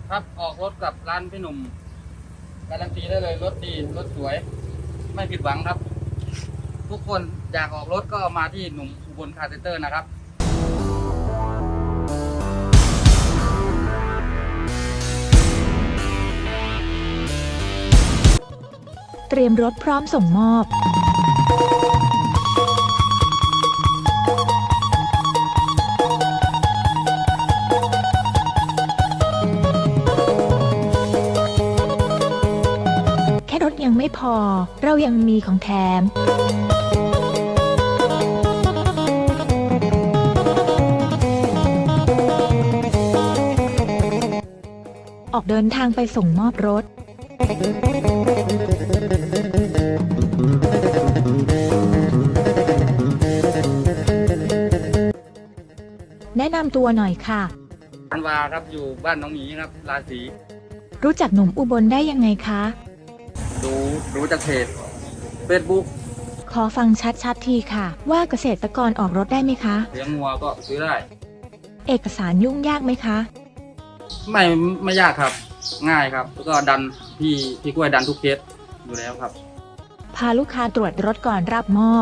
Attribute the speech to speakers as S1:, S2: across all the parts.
S1: ครับออกรถกับร้านพี่หนุ่มการันตีได้เลยรถดีรถสวยไม่ผิดหวังครับ ทุกคนอยากออกรถก็มาที่หนุ่มอุบลคาร์เซ็นเตอร์นะครับ
S2: เตรียมรถพร้อมส่งมอบแค่รถยังไม่พอเรายังมีของแถมออกเดินทางไปส่งมอบรถแนะนำตัวหน่อยค่ะ
S1: อันวาครับอยู่บ้านน้องหมีครับราศี
S2: รู้จักหนุ่มอุบลได้ยังไงคะ
S1: รู้จากเพจ Facebook
S2: ขอฟังชัดๆทีค่ะ ว่าเกษตรกรออกรถได้ไหมคะ
S1: เลี้ยงงัวก็ซื้อได้
S2: เอกสารยุ่งยากไหมคะ
S1: ไม่ยากครับง่ายครับแล้วก็ดันพี่กล้วยดันทุกเคสอยู่แล้วครับ
S2: พาลูกค้าตรวจรถก่อนรับมอบ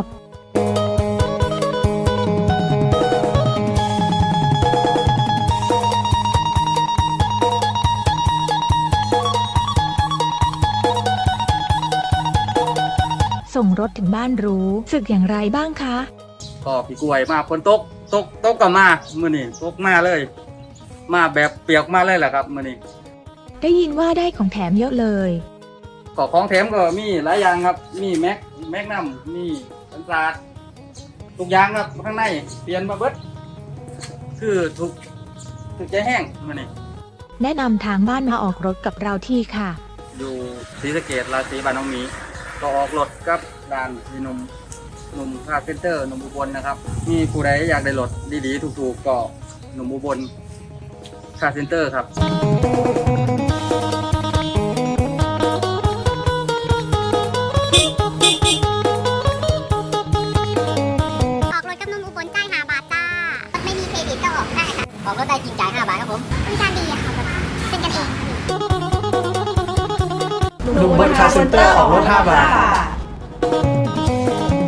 S2: ส่งรถถึงบ้านรู้สึกอย่างไรบ้างคะ
S1: ก็พี่กล้วยมาฝนตกก็มามื้อนี้ตกมาเลย มาแบบเปียกมาเลยแหละครับมื้อนี้
S2: ได้ยินว่าได้ของแถมเยอะเลย
S1: ก็ของแถมก็มีหลายอย่างครับมีแม็กนัมมีสันสาดทุกอย่างครับข้างในเปลี่ยนมาเบิดคือถูกใจแห้งมื้อนี้
S2: แนะนำทางบ้านมาออกรถกับเราที่ค่ะ
S1: อยู่ศรีสะเกษราศีบ้านน้องหมีก็ออกรถกับร้านพี่หนุ่มคาร์เซ็นเตอร์หนุ่มอุบลนะครับมีผู้ใดอยากได้รถดีๆถูกๆก็หนุ่มอุบลคาร์เซ็นเตอร์ครับ
S3: ออกรถกับนุ่มอุบลจ่าย5 บาทจ้ารถไม่มีเครดิตก็ออกได้ค่ะออกรถได้จริงจ่าย5 บาทครับผมบริการดีอะค่ะเป็นกันเอง
S4: หนุ่มบนคาร์เซ็นเตอร์ออกรถ5 บาท